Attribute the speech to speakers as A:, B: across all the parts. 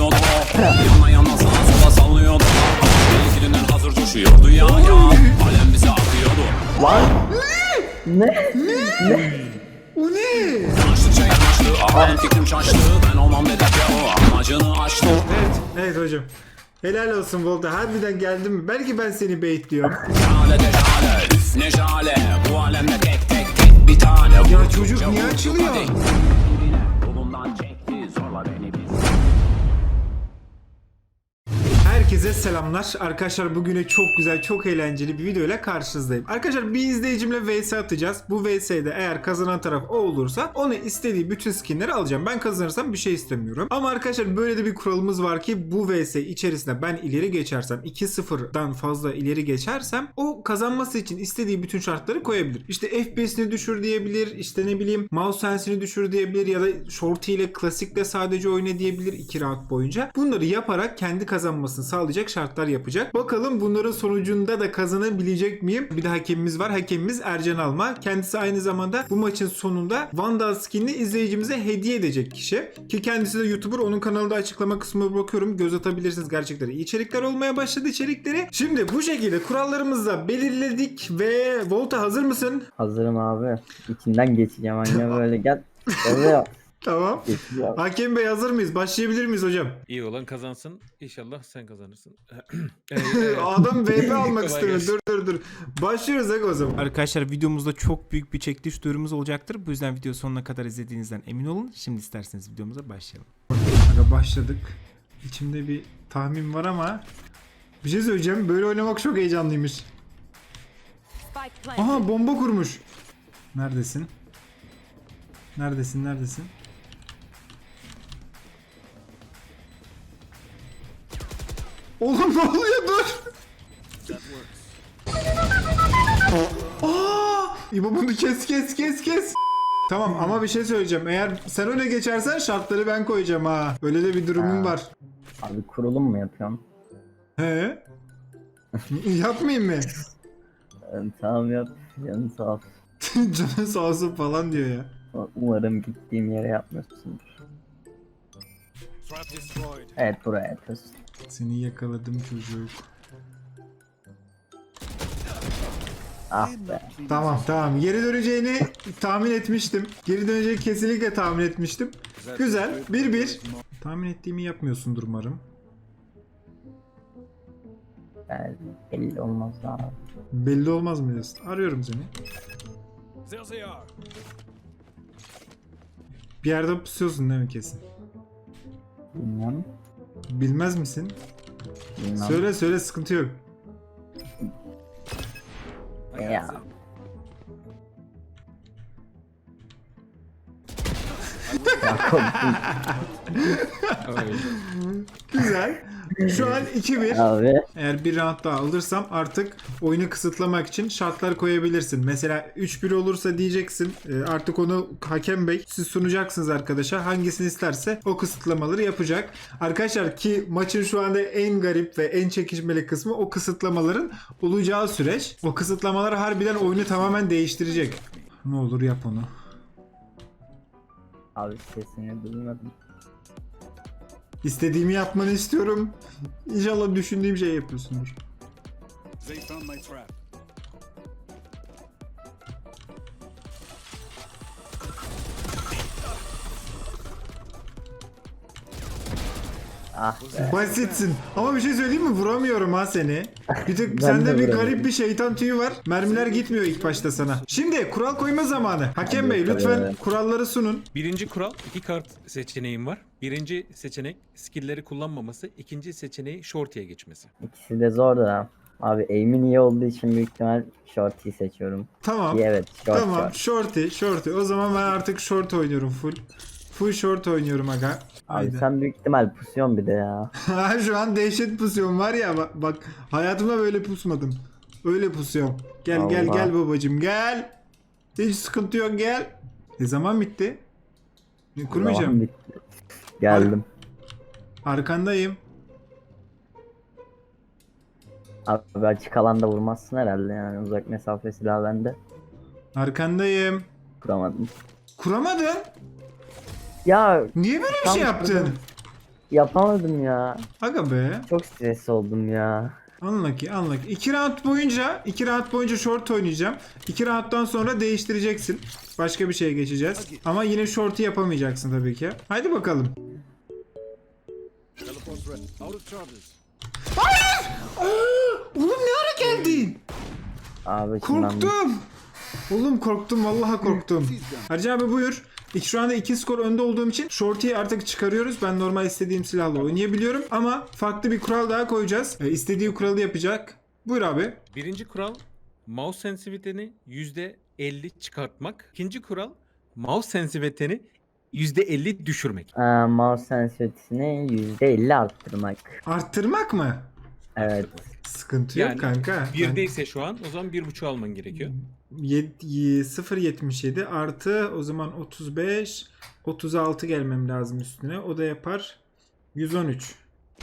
A: sallıyordu. Yana yana sağa sola sallıyordu. Belki dünden hazır coşuyordu ya. Alem bize akıyordu.
B: Lan. Ne?
C: O ne?
A: Yanaştıkça yanaştı. Alem fikrim şaştı. Ben olmam dedikçe o amacını aştı.
C: Evet hocam. Helal olsun Volta. Harbiden geldin mi? Belki ben seni baitliyorum.
A: Şale de şale, üf ne şale. Bu alemde tek bir tane.
C: Ya çocuk niye açılıyor?
A: Yolumdan çekti zorla beni biz.
C: Herkese selamlar. Arkadaşlar bugüne çok güzel, çok eğlenceli bir videoyla karşınızdayım. Arkadaşlar bir izleyicimle vs atacağız. Bu vs'de eğer kazanan taraf o olursa onu istediği bütün skinleri alacağım. Ben kazanırsam bir şey istemiyorum. Ama arkadaşlar böyle de bir kuralımız var ki bu vs içerisinde ben ileri geçersem 2-0'dan fazla ileri geçersem o kazanması için istediği bütün şartları koyabilir. İşte FPS'ini düşür diyebilir. İşte ne bileyim mouse sense'ini düşür diyebilir ya da shorty ile klasikle sadece oyna diyebilir 2 round boyunca. Bunları yaparak kendi kazanmasını sağlayacak şartlar yapacak. Bakalım bunların sonucunda da kazanabilecek miyim? Bir de hakemimiz var. Hakemimiz Ercan Alma. Kendisi aynı zamanda bu maçın sonunda Vandal skinini izleyicimize hediye edecek kişi. Ki kendisi de YouTuber. Onun kanalda açıklama kısmına bakıyorum. Göz atabilirsiniz. Gerçekten iyi içerikler olmaya başladı içerikleri. Şimdi bu şekilde kurallarımızı da belirledik ve Volta hazır mısın?
B: Hazırım abi. İçinden geçeceğim anne böyle gel. Oluyor.
C: Tamam.
B: Geçeceğim.
C: Hakem Bey hazır mıyız? Başlayabilir miyiz hocam?
D: İyi olan kazansın. İnşallah sen kazanırsın.
C: Adam VP almak
D: Kolay
C: istemiyor.
D: gelsin.
C: Dur. Başlıyoruz o zaman. Arkadaşlar videomuzda çok büyük bir çekiliş duyurumuz olacaktır. Bu yüzden video sonuna kadar izlediğinizden emin olun. Şimdi isterseniz videomuza başlayalım. Aga başladık. İçimde bir tahmin var ama bir şey söyleyeceğim. Böyle oynamak çok heyecanlıymış. Aha bomba kurmuş. Neredesin? Neredesin? Oğlum ne oluyor dur. İbo bunu kes. Tamam ama bir şey söyleyeceğim. Eğer sen öne geçersen şartları ben koyacağım ha. Öyle de bir durumum var.
B: Abi kurulum mu yapıyorsun?
C: He? Yapmayayım mı?
B: Tamam yap. Canın sağ ol.
C: Canın sağ olsun falan diyor ya.
B: Umarım gittiğim yere yapmıyorsundur. Evet buraya yapıyorsun.
C: Seni yakaladım çocuk.
B: Ah be.
C: Tamam. Geri döneceğini tahmin etmiştim. Geri döneceğini kesinlikle tahmin etmiştim. Güzel. 1-1. Tahmin ettiğimi yapmıyorsundur umarım.
B: Yani belli olmaz abi.
C: Belli olmaz mı diyorsun? Arıyorum seni. Bir yerde pusuyorsun değil mi kesin?
B: Bilmem.
C: Bilmez misin?
B: Bilmem.
C: Söyle sıkıntı yok.
B: Ya. Ya korktum.
C: Güzel. Şu an 2-1.
B: Abi.
C: Eğer bir round daha alırsam artık oyunu kısıtlamak için şartlar koyabilirsin. Mesela 3-1 olursa diyeceksin artık onu hakem bey siz sunacaksınız arkadaşa. Hangisini isterse o kısıtlamaları yapacak. Arkadaşlar ki maçın şu anda en garip ve en çekişmeli kısmı o kısıtlamaların olacağı süreç. O kısıtlamalar harbiden oyunu tamamen değiştirecek. Ne olur yap onu.
B: Abi sesini duymadım.
C: İstediğimi yapmanı istiyorum. İnşallah düşündüğüm şey yapıyorsundur.
E: They found my trap.
B: Ah be.
C: Basitsin. Ama bir şey söyleyeyim mi? Vuramıyorum ha seni. Bir tık
B: Ben
C: sende
B: de
C: bir
B: vuramıyorum.
C: garip bir şeytan tüyü var. Mermiler gitmiyor ilk başta sana. Şimdi kural koyma zamanı. Hakem Bey
B: Tabii.
C: lütfen kuralları sunun.
D: Birinci kural 2 kart seçeneğim var. Birinci seçenek skill'leri kullanmaması. İkinci seçeneği shorty'ye geçmesi.
B: İkisi de zor da. Abi aim'in iyi olduğu için büyük ihtimal shorty'yi seçiyorum.
C: Tamam.
B: İyi, evet short
C: Tamam.
B: short.
C: Shorty. O zaman ben artık short oynuyorum full. Full short oynuyorum aga.
B: Abi
C: Haydi.
B: sen büyük ihtimal pusuyorsun bir de ya.
C: Şu an dehşet pusuyorum var ya bak hayatımda böyle pusmadım. Öyle pusuyorum. Gel
B: Allah.
C: babacım gel. Hiç sıkıntı yok gel. Ne zaman bitti? Kurmayacağım.
B: Zaman bitti. Geldim.
C: Arkandayım.
B: Abi açık alanda vurmazsın herhalde yani uzak mesafe silahı bende.
C: Arkandayım.
B: Kuramadım.
C: Kuramadın.
B: Ya
C: Niye böyle bir
B: Tam
C: şey yaptın?
B: kurdum. Yapamadım ya.
C: Aga be.
B: Çok stresli oldum ya.
C: Anla ki. 2 round boyunca short oynayacağım. 2 rounddan sonra değiştireceksin. Başka bir şeye geçeceğiz. Ama yine short'u yapamayacaksın tabii ki. Haydi bakalım.
E: Teleport's ready. Out of charges.
C: Oğlum ne ara geldin?
B: Abi şimdi
C: Korktum. Oğlum korktum, vallahi korktum. Harcı abi buyur. Şu anda 2 skor önde olduğum için shorty'yi artık çıkarıyoruz. Ben normal istediğim silahla oynayabiliyorum. Ama farklı bir kural daha koyacağız. İstediği kuralı yapacak. Buyur abi.
D: Birinci kural mouse sensitivity'ni %50 çıkartmak. İkinci kural mouse sensitivity'ni %50 düşürmek.
B: mouse sensitivity'sini %50 arttırmak.
C: Arttırmak mı?
B: Evet.
C: Sıkıntı yok
D: Yani
C: kanka.
D: birdeyse şu an o zaman 1.5 alman gerekiyor.
C: 0.77 artı o zaman 35 36 gelmem lazım üstüne. O da yapar 113.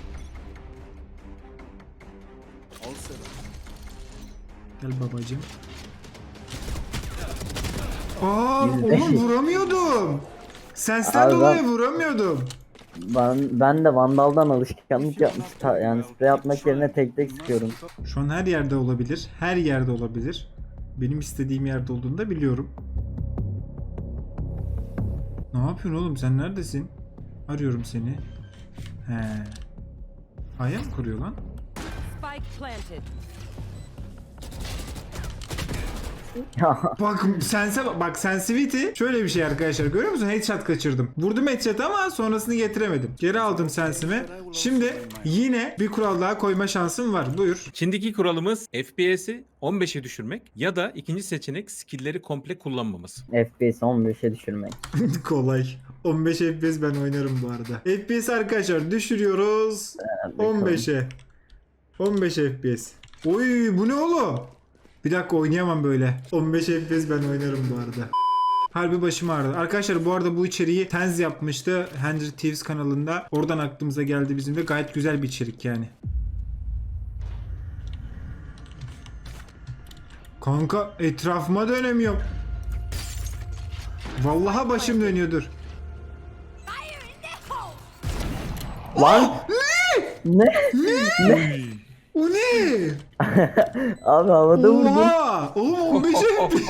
E: All set.
C: Gel babacım. Aa
B: Yüzde-
C: oğlum vuramıyordum. Sensten
B: Abi
C: dolayı
B: ben-
C: vuramıyordum.
B: Ben de Vandal'dan alışkanlık yapmış. Yani sprey atmak yerine tek tek sıkıyorum.
C: Şu an her yerde olabilir. Her yerde olabilir. Benim istediğim yerde olduğunu da biliyorum. Ne yapıyorsun oğlum? Sen neredesin? Arıyorum seni. He. Aya mı kuruyor lan?
F: Spike planted.
C: Bak sensitivity şöyle bir şey arkadaşlar, görüyor musun? Headshot kaçırdım. Vurdum headshot ama sonrasını getiremedim. Geri aldım sensimi. Şimdi yine bir kural daha koyma şansım var. Buyur.
D: Şimdiki kuralımız FPS'i 15'e düşürmek ya da ikinci seçenek skill'leri komple kullanmaması.
B: FPS 15'e düşürmek.
C: Kolay. 15 FPS ben oynarım bu arada. FPS arkadaşlar düşürüyoruz. 15'e. 15 FPS. Oy bu ne oğlum? Bir dakika oynayamam böyle. 15 FPS ben oynarım bu arada. Harbi başım ağrıdı. Arkadaşlar bu arada bu içeriği Tenz yapmıştı. Henry Thieves kanalında. Oradan aklımıza geldi bizim de. Gayet güzel bir içerik yani. Kanka etrafıma dönemiyorum. Vallahi başım dönüyordur.
B: Lan! Ne?
C: O ne?
B: Abi havada vurdum.
C: Oha! Oğlum 15 FPS.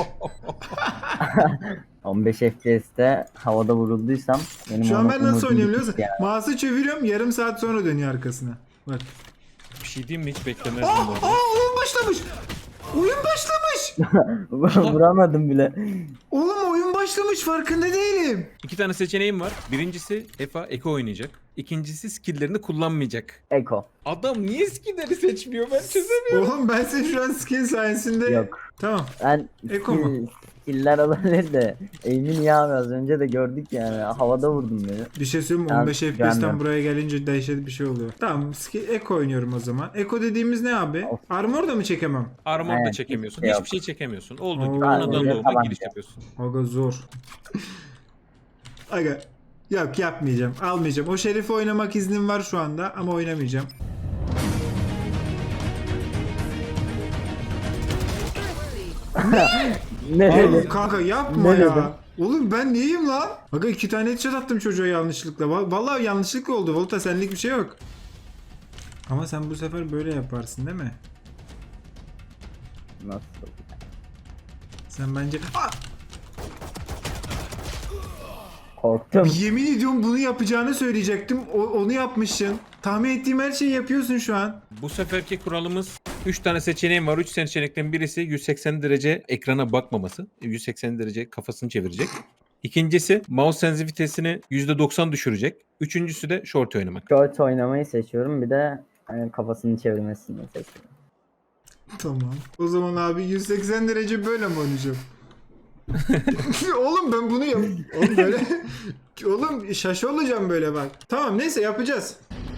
B: 15 FPS'te havada vurulduysam benim
C: Şu an ben nasıl
B: umudum
C: oynuyorum biliyor
B: bitti
C: musun? Mouse'u çeviriyorum, yarım saat sonra dönüyor arkasına. Bak.
D: Bir şey diyeyim mi? Hiç beklemezdim bu arada.
C: Oyun başlamış. Oyun başlamış.
B: ya. Vuramadım bile.
C: Oğlum oyun başlamış, farkında değilim.
D: İki tane seçeneğim var. Birincisi Eko oynayacak. İkincisi skill'lerini kullanmayacak.
B: Eko.
D: Adam niye skill'leri seçmiyor ben çözemiyorum.
C: Oğlum ben seni şu an skill sayesinde...
B: Yok.
C: Tamam.
B: Ben
C: Eko mu?
B: skill'ler olabilir de eğimin ya abi az önce de gördük yani havada vurdum beni.
C: Bir şey söyleyeyim mi?
B: Ya,
C: 15 FPS'ten
B: beğendim.
C: buraya gelince dehşet bir şey oluyor. Tamam, Eko oynuyorum o zaman. Eko dediğimiz ne abi?
B: Of.
C: Armor da mı çekemem?
D: Armor da
B: Evet,
D: çekemiyorsun.
B: hiçbir şey
D: Hiçbir şey çekemiyorsun. Olduğu gibi
C: Oo.
D: anadan
B: Aynen,
D: doğma
B: tabanca.
D: giriş yapıyorsun.
C: Aga zor. Aga. Yok yapmayacağım. Almayacağım. O şerifi oynamak iznim var şu anda ama oynamayacağım.
B: Ne
C: Oğlum
B: dedi?
C: kanka yapma
B: Ne
C: ya.
B: dedim?
C: Oğlum ben neyim lan? Aga 2 tane headshot attım çocuğa yanlışlıkla. Vallahi yanlışlıkla oldu. Volta senlik bir şey yok. Ama sen bu sefer böyle yaparsın değil mi?
B: Nasıl?
C: Sen bence... Aa!
B: Korktum.
C: Yemin ediyorum bunu yapacağını söyleyecektim. Onu yapmışsın. Tahmin ettiğim her şeyi yapıyorsun şu an.
D: Bu seferki kuralımız 3 tane seçeneğim var. 3 seçenekten birisi 180 derece ekrana bakmaması. 180 derece kafasını çevirecek. İkincisi mouse sensitivity'sini %90 düşürecek. Üçüncüsü de short oynamak.
B: Short oynamayı seçiyorum bir de kafasını çevirmesini seçiyorum.
C: Tamam. O zaman abi 180 derece böyle mi oynayacağım? Oğlum ben bunu yap. Oğlum böyle. Oğlum şaşı olacağım böyle bak. Tamam neyse yapacağız.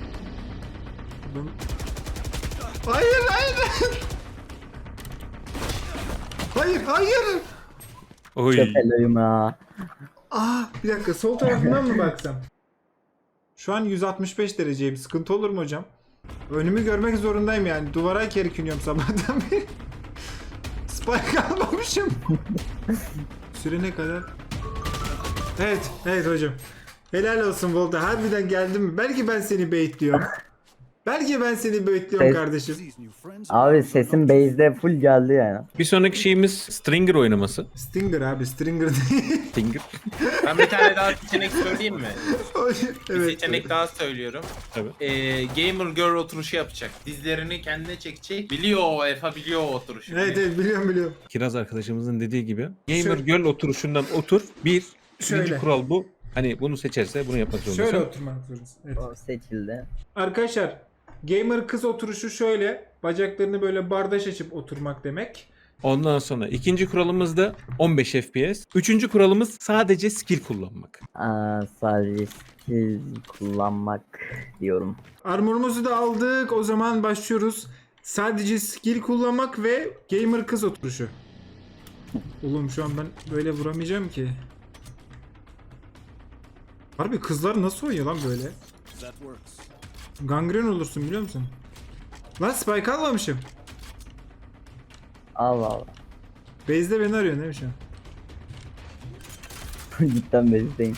C: Hayır hayır. Hayır hayır.
D: Oy.
B: Köpeloyum ha.
C: Bir dakika sol tarafından mı baksam? Şu an 165 dereceyim. Sıkıntı olur mu hocam? Önümü görmek zorundayım yani. Duvara kerkiniyorum sabahtan beri. Spike almamışım. Süre ne kadar? Evet, evet hocam. Helal olsun Volta. Harbiden geldin mi? Belki ben seni baitliyorum. Belki ben seni baitliyorum
B: Evet.
C: kardeşim.
E: These new friends.
B: Abi sesin base'de full geldi yani.
D: Bir sonraki şeyimiz Stringer oynaması.
C: Stinger abi. Stringer değil.
D: Stinger.
G: Ben bir tane daha seçenek söyleyeyim mi? Bir
C: Evet.
G: seçenek daha söylüyorum.
D: Tabii.
G: Gamer girl oturuşu yapacak. Dizlerini kendine çekecek. Biliyor o Efa, biliyor o oturuşu.
C: Evet biliyorum.
D: Kiraz arkadaşımızın dediği gibi. Gamer Girl oturuşundan otur. Birinci
C: Şöyle.
D: kural bu. Hani bunu seçerse bunu yapmak zorundasın.
C: Şöyle oturmak zorundasın. Evet.
B: O seçildi.
C: Arkadaşlar gamer kız oturuşu şöyle. Bacaklarını böyle bardaş açıp oturmak demek.
D: Ondan sonra ikinci kuralımız da 15 FPS. Üçüncü kuralımız sadece skill kullanmak.
B: Sadece skill kullanmak diyorum.
C: Armorumuzu da aldık. O zaman başlıyoruz. Sadece skill kullanmak ve gamer kız oturuşu. Oğlum şu an ben böyle vuramayacağım ki. Harbi kızlar nasıl oynuyor lan böyle?
E: That works.
C: Gangren olursun biliyor musun? Lan spike almamışım.
B: Allah Allah.
C: Base'de beni arıyor değil mi şu an?
B: Cidden base'deyim.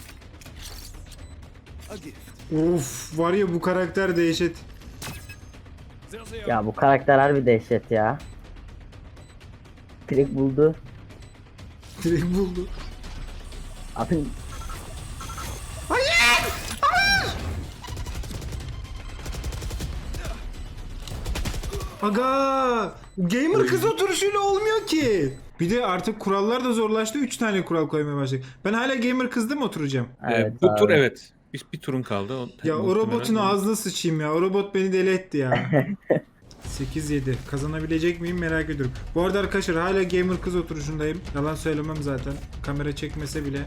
E: A gift.
C: Of var ya bu karakter dehşet.
E: There's a
B: Ya bu karakter harbi dehşet ya. Direkt buldu.
C: Direkt buldu.
B: Abi
C: Aga! Gamer kız oturuşuyla olmuyor ki. Bir de artık kurallar da zorlaştı. 3 tane kural koymaya başladık. Ben hala gamer kızda mı oturacağım?
B: evet
D: Bu tur
B: abi.
D: evet. Bir turun kaldı.
C: Ya o robotun ağzına sıçayım ya. O robot beni deli etti ya. 8-7. Kazanabilecek miyim merak ediyorum. Bu arada arkadaşlar hala gamer kız oturuşundayım. Yalan söylemem zaten. Kamera çekmese bile.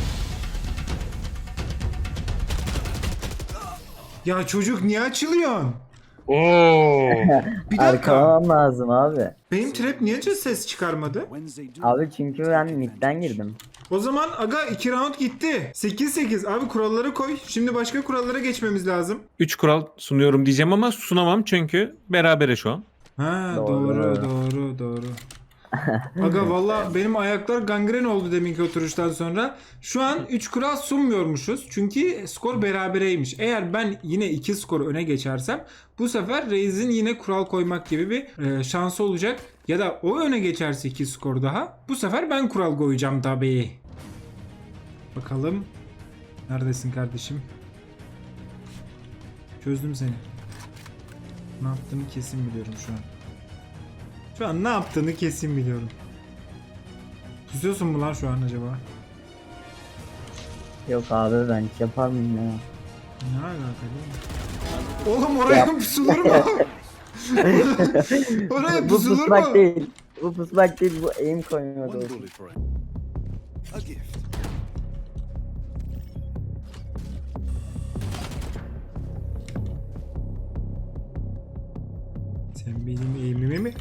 C: Ya çocuk niye açılıyorsun?
D: Oo.
C: Bir dakika.
B: Arkalamam lazım abi.
C: Benim trap niye ses çıkarmadı?
E: Wednesday do.
B: Abi çünkü ben midden girdim.
C: O zaman aga 2 round gitti. 8-8. Abi kuralları koy. Şimdi başka kurallara geçmemiz lazım.
D: 3 kural sunuyorum diyeceğim ama sunamam çünkü berabere şu an.
C: Ha
B: Doğru.
C: doğru. Aga valla benim ayaklar gangren oldu deminki oturuştan sonra. Şu an 3 kural sunmuyormuşuz. Çünkü skor berabereymiş. Eğer ben yine 2 skor öne geçersem bu sefer Reis'in yine kural koymak gibi bir şansı olacak. Ya da o öne geçerse 2 skor daha. Bu sefer ben kural koyacağım tabii. Bakalım. Neredesin kardeşim? Çözdüm seni. Ne yaptığını kesin biliyorum şu an. Şu an ne yaptığını kesin biliyorum. Pusuyorsun mu lan şu an acaba?
B: Yok abi ben hiç yapar mıyım ya?
C: Ne alaka değil mi? Oğlum oraya pusulur mu? Oraya
B: Bu
C: pusulur
B: pusmak
C: mu?
B: değil. Bu pusmak değil, bu aim koymak
E: One
B: olsun.
E: bullet for it. A gift.
C: Sen benim eğimimi mi?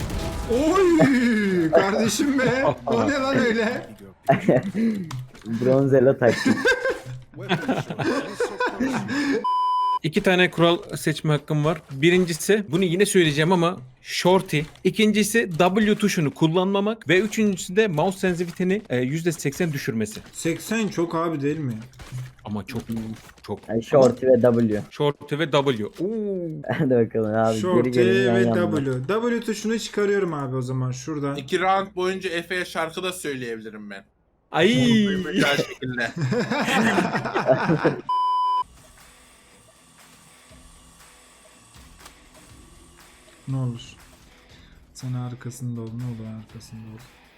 C: Oy! Kardeşim be! O ne lan öyle?
B: Bronzela taktik.
E: Weapon shot. Also personal.
D: 2 tane kural seçme hakkım var. Birincisi bunu yine söyleyeceğim ama shorty. İkincisi W tuşunu kullanmamak ve üçüncüsü de mouse sensitiviteni %80 düşürmesi.
C: 80 çok abi değil mi?
D: Ama çok
B: Yani shorty ve W.
D: shorty ve W. Oo.
B: Hadi bakalım abi.
C: Short
B: geri gelin yan
C: ve
B: yana.
C: W. W tuşunu çıkarıyorum abi o zaman şuradan.
G: 2 round boyunca Efe'ye şarkı da söyleyebilirim ben.
D: Ay.
G: Güzel şekilde.
C: Ne olur. Sen arkasında ol. Ne olur arkasında ol.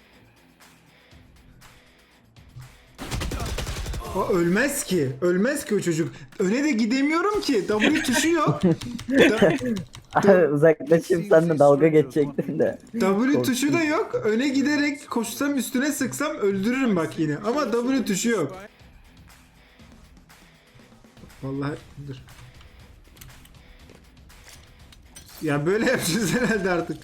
C: O ölmez ki. Ölmez ki o çocuk. Öne de gidemiyorum ki. W tuşu yok.
B: Abi uzaklaşıp seninle dalga geçecektim de.
C: W tuşu da yok. Öne giderek koşsam üstüne sıksam öldürürüm bak yine. Ama W tuşu yok. Vallahi dur. Ya böyle yapacağız herhalde artık.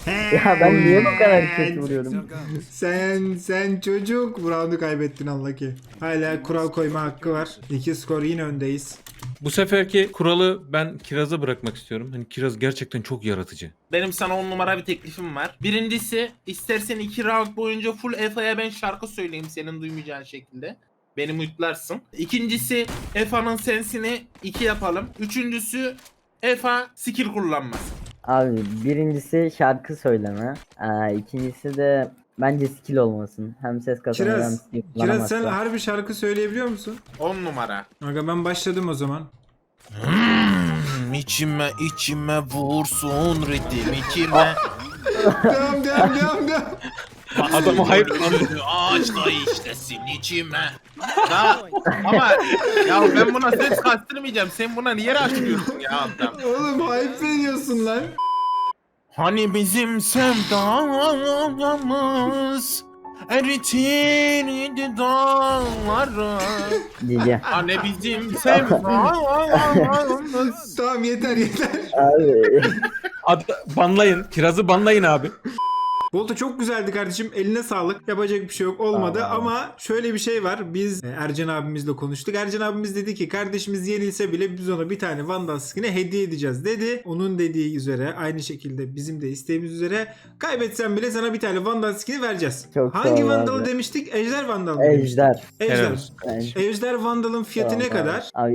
B: Ya ben niye bu kadar kötü vuruyorum?
C: Sen çocuk. Bu roundu kaybettin Allah ki. Hala kural koyma hakkı var. 2 skor yine öndeyiz.
D: Bu seferki kuralı ben Kiraz'a bırakmak istiyorum. Hani Kiraz gerçekten çok yaratıcı.
G: Benim sana 10 numara bir teklifim var. Birincisi, istersen 2 round boyunca full Efa'ya ben şarkı söyleyeyim senin duymayacağın şekilde. Beni mutlarsın. İkincisi, Efa'nın sensini 2 yapalım. Üçüncüsü, Efa skill kullanmasın.
B: Abi birincisi şarkı söyleme. İkincisi de bence skill olmasın. Hem ses kazanır hem
C: Kiraz,
B: skill
C: Kiraz
B: kullanamazsa.
C: sen harbi şarkı söyleyebiliyor musun?
G: 10 numara.
C: Aga ben başladım o zaman.
G: İçime vursun ritim içime.
C: Devam.
D: Adamı hayırlandı.
G: Ağaçla işlesin içime. Ama ya ben buna ses kastırmayacağım. Sen buna niye açıyorsun ya adam?
C: Oğlum hype veriyorsun lan.
G: Hani bizim sevdamız eritirdi dağları.
B: Cici.
G: Hani bizim sevdamız.
C: Tamam yeter.
B: Abi.
D: Banlayın. Kiraz'ı banlayın abi.
C: Volta çok güzeldi kardeşim. Eline sağlık. Yapacak bir şey yok. Olmadı
B: Tamam.
C: ama şöyle bir şey var. Biz Ercan abimizle konuştuk. Ercan abimiz dedi ki kardeşimiz yenilse bile biz ona bir tane Vandal skin'e hediye edeceğiz dedi. Onun dediği üzere aynı şekilde bizim de isteğimiz üzere kaybetsen bile sana bir tane Vandal skin'i vereceğiz.
B: Çok sağ
C: Hangi
B: ol
C: Vandal'ı
B: abi.
C: demiştik? Ejder Vandal mı demiştik?
B: Ejder.
D: Helal
C: Ejder.
D: olsun.
B: Yani
C: Ejder Vandal'ın fiyatı
B: tamam
C: ne kadar?
B: Abi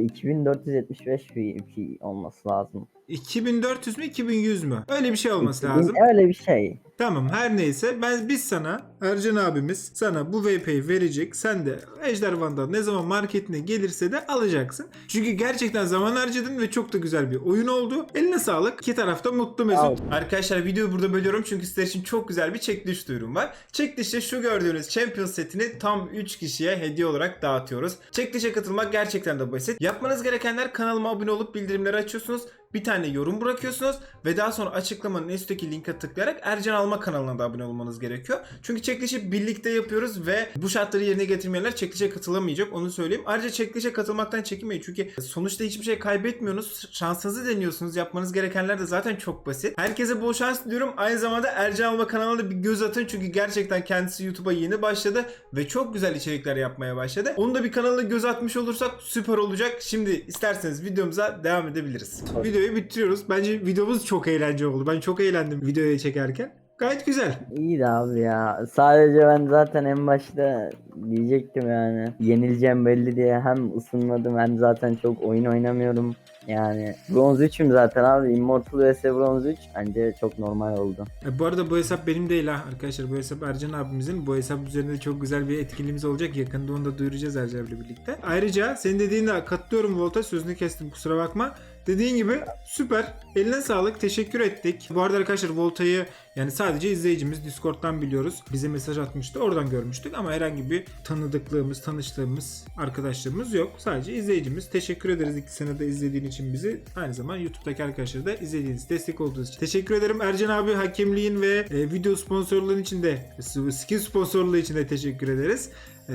B: 2475 bir olması lazım.
C: 2400 mü 2100 mü? Öyle bir şey olması lazım.
B: Öyle bir şey.
C: Tamam her neyse biz sana Ercan abimiz sana bu VP'yi verecek. Sen de Ejder Vandal ne zaman marketine gelirse de alacaksın. Çünkü gerçekten zaman harcadın ve çok da güzel bir oyun oldu. Eline sağlık. İki tarafta mutlu mesut. Arkadaşlar videoyu burada bölüyorum çünkü sizler için çok güzel bir çekiliş duyurum var. Çekilişte şu gördüğünüz Champions setini tam 3 kişiye hediye olarak dağıtıyoruz. Çekilişe katılmak gerçekten de basit. Yapmanız gerekenler kanalıma abone olup bildirimleri açıyorsunuz. Bir tane yorum bırakıyorsunuz ve daha sonra açıklamanın üstteki linke tıklayarak Ercan Alma kanalına da abone olmanız gerekiyor. Çünkü çekilişi birlikte yapıyoruz ve bu şartları yerine getirmeyenler çekilişe katılamayacak, onu söyleyeyim. Ayrıca çekilişe katılmaktan çekinmeyin çünkü sonuçta hiçbir şey kaybetmiyorsunuz. Şansınızı deniyorsunuz. Yapmanız gerekenler de zaten çok basit. Herkese bol şans diliyorum. Aynı zamanda Ercan Alma kanalına da bir göz atın çünkü gerçekten kendisi YouTube'a yeni başladı ve çok güzel içerikler yapmaya başladı. Onu da bir kanalına göz atmış olursak süper olacak. Şimdi isterseniz videomuza devam edebiliriz. Videoyu bitiriyoruz. Bence videomuz çok eğlenceli oldu. Ben çok eğlendim videoyu çekerken. Gayet güzel.
B: İyiydi abi ya. Sadece ben zaten en başta diyecektim yani. Yenileceğim belli diye hem ısınmadım hem zaten çok oyun oynamıyorum. Yani bronz 3'üm zaten abi. Immortal vs bronz 3 bence çok normal oldu.
C: Bu arada bu hesap benim değil ha arkadaşlar. Bu hesap Ercan abimizin. Bu hesap üzerinde çok güzel bir etkinliğimiz olacak. Yakında onu da duyuracağız Ercan'la birlikte. Ayrıca senin dediğine katılıyorum Volta. Sözünü kestim kusura bakma. Dediğin gibi süper. Eline sağlık. Teşekkür ettik. Bu arada arkadaşlar Volta'yı yani sadece izleyicimiz Discord'dan biliyoruz. Bize mesaj atmıştı. Oradan görmüştük ama herhangi bir tanıdıklığımız, tanıştığımız arkadaşlarımız yok. Sadece izleyicimiz. Teşekkür ederiz 2 senede izlediğin için bizi. Aynı zaman YouTube'daki arkadaşları da izlediğiniz, destek olduğunuz için. Teşekkür ederim. Ercan abi hakemliğin ve video sponsorluğun için de, skin sponsorluğu için de teşekkür ederiz.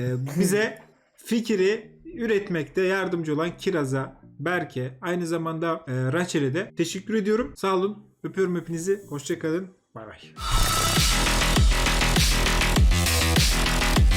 C: Bize fikri üretmekte yardımcı olan Kiraz'a, Berke, aynı zamanda Rachel'e de teşekkür ediyorum. Sağ olun. Öpüyorum hepinizi. Hoşça kalın. Bay bay.